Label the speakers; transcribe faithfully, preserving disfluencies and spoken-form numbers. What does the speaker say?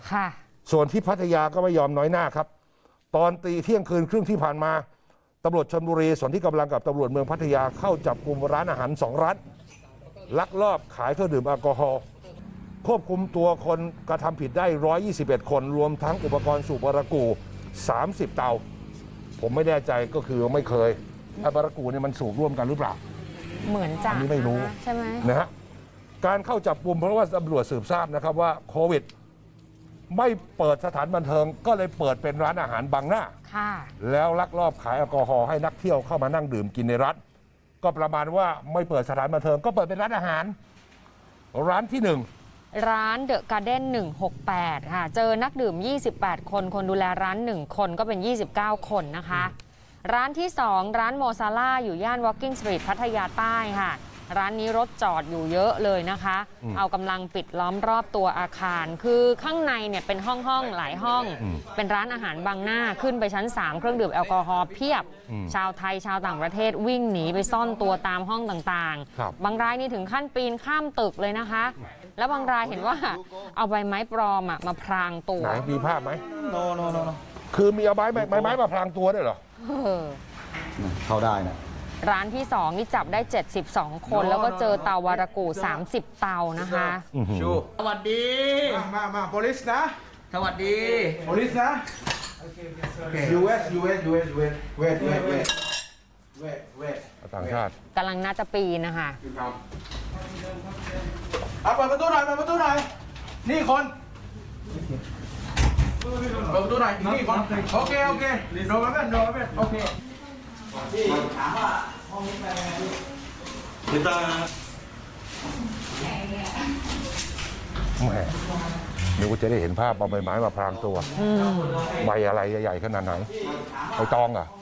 Speaker 1: ค่ะ
Speaker 2: ส่วนที่พัทยาก็ไม่ยอมน้อยหน้าครับตอนตีเที่ยงคืนครึ่งที่ผ่านมาตำรวจชลบุรีส่วนที่กำลังกับตำรวจเมืองพัทยาเข้าจับกลุ่มร้านอาหารสองร้านลักลอบขายเครื่องดื่มแอลกอฮอล์ควบคุมตัวคนกระทำผิดได้หนึ่งร้อยยี่สิบเอ็ดคนรวมทั้งอุปกรณ์สูบบารากูสามสิบเตาผมไม่แน่ใจก็คือไม่เคยไอ้บารากูเนี่ยมันสูบร่วมกันหรือเปล่า
Speaker 1: เหมือนจะ
Speaker 2: อันนี้ไม่รู้
Speaker 1: ใช่ไหม
Speaker 2: นะฮะการเข้าจับกลุ่มเพราะว่าตำรวจสืบทราบนะครับว่าโควิดไม่เปิดสถานบันเทิงก็เลยเปิดเป็นร้านอาหารบังหน้าแล้วลักลอบขายแอลกอฮอล์ให้นักเที่ยวเข้ามานั่งดื่มกินในร้านก็ประมาณว่าไม่เปิดสถานบันเทิงก็เปิดเป็นร้านอาหารร้านที่หนึ่ง
Speaker 1: ร้านเดอะการ์เด้นหนึ่งหกแปดค่ะเจอนักดื่มยี่สิบแปดคนคนดูแลร้านหนึ่งคนก็เป็นยี่สิบเก้าคนนะคะร้านที่สองร้านโมซาล่าอยู่ย่าน Walking Street พัทยาใต้ค่ะร้านนี้รถจอดอยู่เยอะเลยนะคะเอากำลังปิดล้อมรอบตัวอาคารคือข้างในเนี่ยเป็นห้องห้องหลายห้องเป็นร้านอาหารบังหน้าขึ้นไปชั้นสามเครื่องดื่มแอลกอฮอล์เพียบชาวไทยชาวต่างประเทศวิ่งหนีไปซ่อนตัวตามห้องต่างๆบางรายนี่ถึงขั้นปีนข้ามตึกเลยนะคะแล้วบางรายเห็นว่าเอาใบไม้ปลอมมาพรางตัว
Speaker 2: ไหนมีภาพไหม
Speaker 3: no no no no
Speaker 2: คือมีเอาไม้ไม้ไม้มาพรางตัวด้วยเหรอ
Speaker 3: เข้าได้นะ
Speaker 1: ร้านที่สองนี่จับได้เจ็ดสิบสองคนแล้วก็เจอเตาวารากูสามสิบเตานะคะ
Speaker 3: ชูสวัสดี
Speaker 4: มามามา police นะ
Speaker 3: สวัสดี
Speaker 4: police นะ ยู เอส ยู เอส ยู เอส ยู เอส wait wait wait wait wait
Speaker 2: ต่างชาติ
Speaker 1: กำลังน่าจะปีนนะคะ
Speaker 4: เอาเปิดประตูหน่อยเปิดประตูหน่อยนี่คนเปิดประตูหน่อยนี่คนโอเคโอเคโดนมาเป็นโดนมาเป็นโอเคพี่ถามว่าห้องนี้เป็นไงพี่ตา
Speaker 2: แหมเดี๋ยวก็จะได้เห็นภาพเอาใบไม้มาพรางตัวใบอะไรใหญ่ๆขนาดไหนใบตองอ่ะ